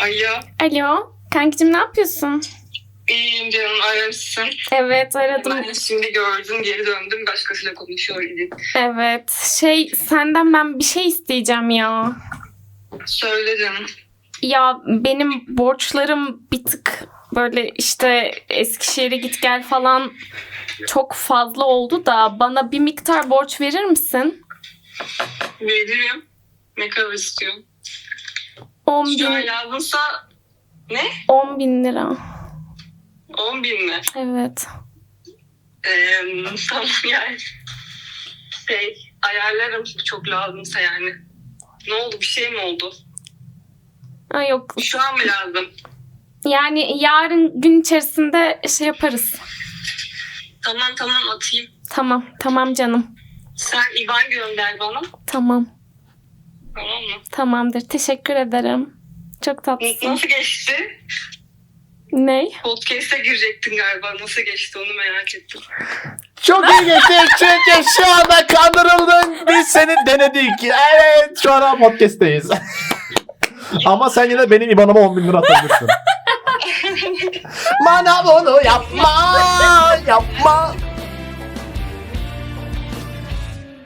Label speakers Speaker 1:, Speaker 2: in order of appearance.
Speaker 1: Alo.
Speaker 2: Alo. Kankacığım ne yapıyorsun?
Speaker 1: İyiyim canım, aramışsın.
Speaker 2: Evet aradım.
Speaker 1: Ben de şimdi gördüm, geri döndüm. Başkasıyla konuşuyor idim.
Speaker 2: Evet. Senden ben bir şey isteyeceğim ya.
Speaker 1: Söyle canım.
Speaker 2: Ya benim borçlarım bir tık böyle işte Eskişehir'e git gel falan çok fazla oldu da bana bir miktar borç verir misin?
Speaker 1: Veririm. Ne kadar istiyorsun?
Speaker 2: 10
Speaker 1: Şu an
Speaker 2: bin,
Speaker 1: lazımsa ne?
Speaker 2: 10 bin lira.
Speaker 1: 10 bin mi?
Speaker 2: Evet.
Speaker 1: Tamam yani. Ayarlarım çok lazımsa yani. Ne oldu? Bir şey mi oldu?
Speaker 2: Ay yok.
Speaker 1: Şu an mı lazım?
Speaker 2: Yani yarın gün içerisinde şey yaparız.
Speaker 1: Tamam atayım.
Speaker 2: Tamam canım.
Speaker 1: Sen IBAN gönder bana.
Speaker 2: Tamam.
Speaker 1: Tamam mı?
Speaker 2: Tamamdır. Teşekkür ederim. Çok tatlısın.
Speaker 1: Nasıl geçti?
Speaker 2: Ney?
Speaker 1: Podcast'e girecektin galiba. Nasıl geçti onu merak ettim.
Speaker 3: Çok iyi geçti çünkü şu anda kandırıldın. Biz seni denedik. Evet şu an podcast'teyiz. Ama sen yine benim IBAN'ıma 10 bin lira atabilirsin. Bana bunu yapma.